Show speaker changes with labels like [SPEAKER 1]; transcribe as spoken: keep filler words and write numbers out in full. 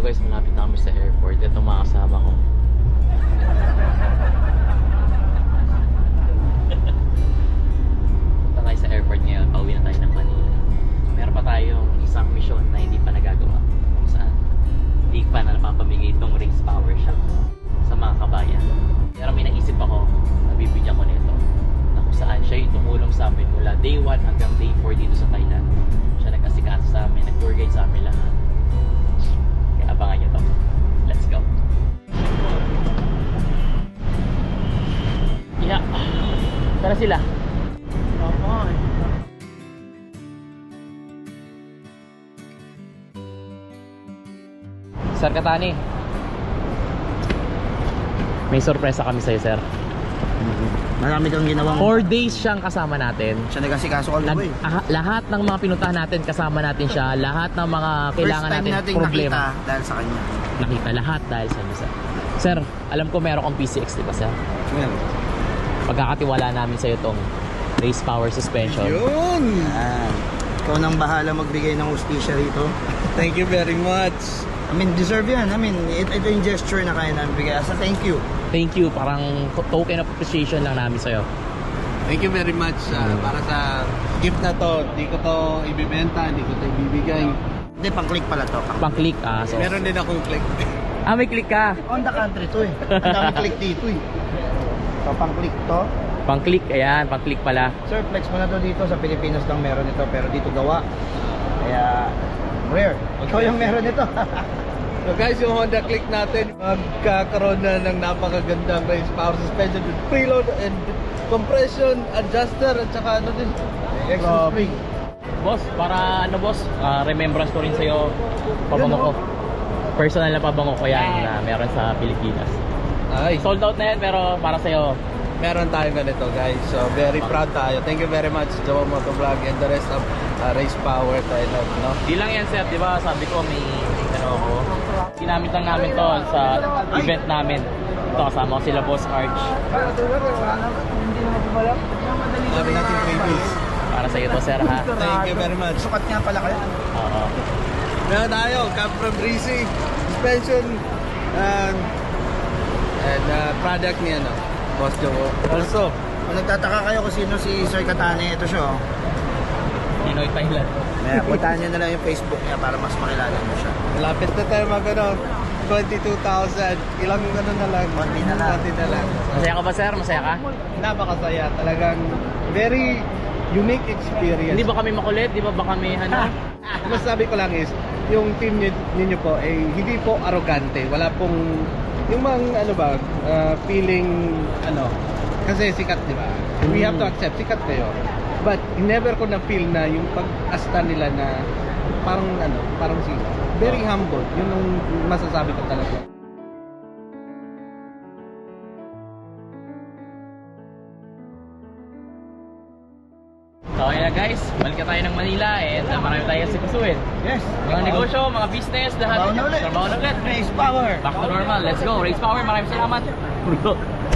[SPEAKER 1] guys, malapit na kami sa airport. Ito mga kasama ko. Punta tayo sa airport ngayon. Pauwi na tayo ng Manila. Meron pa tayong isang mission na hindi pa nagagawa. Kung saan hindi pa na napapamigay itong Race Power Shop sa mga kabayan. Pero may naisip ako, nabibigyan ko nito, na kung saan siya yung tumulong sa amin mula day one hanggang day four dito sa Thailand. Siya nag-asikaso sa amin, nag-tour guide sa amin lahat. Kaya abangan nyo to. Let's go. Yeah. Tara sila. Okay. Sir Katani, may sorpresa kami sa'yo, sir.
[SPEAKER 2] Marami kang ginawang...
[SPEAKER 1] Four days siyang kasama natin.
[SPEAKER 2] Siya nag-asikaso all the
[SPEAKER 1] Nag,
[SPEAKER 2] way.
[SPEAKER 1] ah, lahat ng mga pinuntahan natin, kasama natin siya. Lahat ng mga kailangan
[SPEAKER 2] First time
[SPEAKER 1] natin,
[SPEAKER 2] nating
[SPEAKER 1] problema.
[SPEAKER 2] nakita dahil sa kanya.
[SPEAKER 1] Nakita lahat dahil sa inyo, sir. Sir, alam ko meron kang P C X, di ba, sir?
[SPEAKER 2] Well,
[SPEAKER 1] Pagkakatiwala namin sa'yo tong Race Power Suspension.
[SPEAKER 3] Yun!
[SPEAKER 2] ah, ikaw nang bahala magbigay ng hustisya rito.
[SPEAKER 3] Thank you very much.
[SPEAKER 2] I mean, deserve yan. I mean, it, ito yung gesture na kaya namin bigay. As a thank you.
[SPEAKER 1] Thank you, parang token of appreciation lang namin sa'yo.
[SPEAKER 3] Thank you very much uh, para sa gift na to. Hindi ko to ibibenta, hindi ko to ibibigay.
[SPEAKER 2] Hindi, pang-click pala to.
[SPEAKER 1] Pang-click, ah. So,
[SPEAKER 3] Meron din akong click.
[SPEAKER 1] ah, may click ka.
[SPEAKER 2] On the country to eh. Ang dami click dito eh. So, pang-click to.
[SPEAKER 1] Pang-click, ayan, pang-click pala.
[SPEAKER 2] Sir, flex mo na to dito. Sa Pilipinas lang meron ito, pero dito gawa. Kaya, rare. Ikaw yung meron ito.
[SPEAKER 3] So guys, yung Honda Click natin, magkakaroon na ng napakagandang race power suspension with preload and compression adjuster at saka ano din, extra spring.
[SPEAKER 1] Boss, para ano boss, ah, remembrance ko rin sa'yo, pabango ko. Personal na pabango ko yan na meron sa Pilipinas.
[SPEAKER 3] Ay,
[SPEAKER 1] Sold out na yan pero para sa'yo.
[SPEAKER 3] meron tayong ganito guys. So very proud tayo. Thank you very much Jowa Motovlog and the rest of uh, Race Power Thailand, no?
[SPEAKER 1] Di lang yan sir, di ba sabi ko may ano ako. Ginamit lang namin to sa event namin. Ito kasama ko sila Boss Arch.
[SPEAKER 3] Sabi natin freebies.
[SPEAKER 1] Para sa'yo to sir ha.
[SPEAKER 3] Thank you very much.
[SPEAKER 2] Sukat nga pala kayo.
[SPEAKER 1] Oo.
[SPEAKER 3] Meron tayo, Cap from Breezy suspension and, and uh, product niya, no? Boss Jowo. Also,
[SPEAKER 2] Kung nagtataka kayo kung sino si Sir Katane, ito siya oh.
[SPEAKER 1] Pinoy Thailand.
[SPEAKER 2] Kaya puntahan nyo na lang yung Facebook niya para mas makilala mo siya.
[SPEAKER 3] malapit na tayo mag ano, twenty-two thousand. Ilang ano na lang.
[SPEAKER 2] Konti na lang.
[SPEAKER 3] Konti na lang.
[SPEAKER 1] Masaya ka ba sir? Masaya ka?
[SPEAKER 3] Napakasaya. Talagang very unique experience.
[SPEAKER 1] Hindi ba kami makulit? Di ba ba kami ano?
[SPEAKER 3] Mas sabi ko lang is, yung team ninyo, ninyo po ay hindi po arrogante. Wala pong yung mga ano ba, uh, feeling ano, kasi sikat, di ba? We have to accept, sikat kayo. But never ko na feel na yung pag-asta nila na parang ano, parang sikat. Very humble. Yun ang masasabi ko talaga.
[SPEAKER 1] So ayun na guys, balik na tayo ng Manila and uh, marami tayo sikasuin.
[SPEAKER 2] Yes.
[SPEAKER 1] Mga negosyo, mga business, lahat.
[SPEAKER 2] Trabaho na ulit.
[SPEAKER 1] Trabaho na ulit.
[SPEAKER 2] Race Power.
[SPEAKER 1] Back to normal. Let's go. Race Power. Maraming salamat.